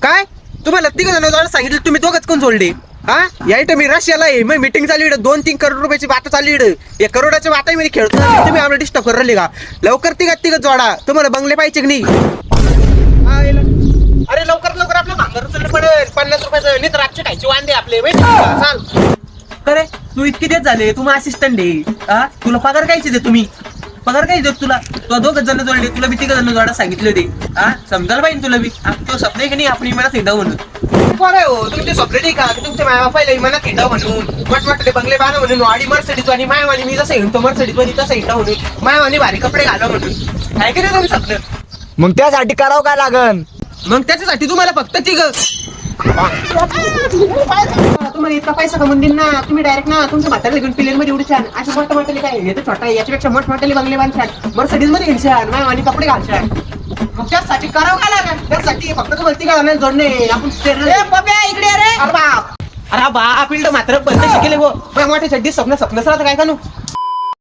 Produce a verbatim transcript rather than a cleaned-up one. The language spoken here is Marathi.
काय तुम्हाला तिघ जण सांगितलं, तुम्ही दोघच कोण सोडले? हा या इथं मी रशियाला आहे, मग मीटिंग चालू इकडे दोन तीन करोड रुपयाची बात चालू इकडे. एक करोडाच्या बाता मी खेळतो, तुम्ही आम्हाला डिस्टर्ब करू राहिले का? लवकर तिघ तिघ जोडा, तुम्हाला बंगले पाहिजे की नाही? हा, येला. अरे लवकर लवकर आपलं भांगर उचललं पडेल, पन्नास रुपयाचं नाही तर रातचे खायचे वांदे आपले माहिती का? सांग. अरे तू इतके देत झाले, तुम्ही असिस्टंट आहे. हा तुला पगार कायचे दे? तुम्ही पगार काय देत तुला? तुला दोघच जण जोडले, तुला बी तिघ जण जोडा सांगितले होते. हा समजायला पाहिजे तुला बी. तो स्वप्न आहे की नाही आपण इमानात हिंडाव म्हणून? कोण आहे हो तुमचे स्वप्न नाही का तुमच्या माय बापाला इमानात हिंडाव म्हणून, मोठमोठे बंगले बांधा म्हणून, वाडी मर्सडीज आणि मायवानी मी जसं हिंडतो मर्सडीज मध्ये तसं हिंडाव म्हणून, मायवानी भारी कपडे घालाव म्हणून. काय की नाही तुम्ही स्वप्न? मग त्यासाठी करावं काय लागन? मग त्याच्यासाठी तुम्हाला फक्त तिघ तुम्हाला इतका पैसा कमवून देईन ना, तुम्ही डायरेक्ट ना तुमच्या म्हाताऱ्याला घेऊन प्लेन मध्ये उडी छान असे मोठे मोठे काय हे तर छोटा आहे, याच्यापेक्षा मोठ मोठे बंगले बांधशान, मर्सडीज मध्ये हिंडशान, मायवानी कपडे घालशान. मग त्यासाठी करावं काय लागेल? त्यासाठी फक्त तुम्हाला तिघ जणांना जोडणे. आपण इकडे अरे बाप अरे बाप इकडे मात्र बंद शिकेले गो मोठ्या चड्डी स्वप्न स्वप्न सर काय का नू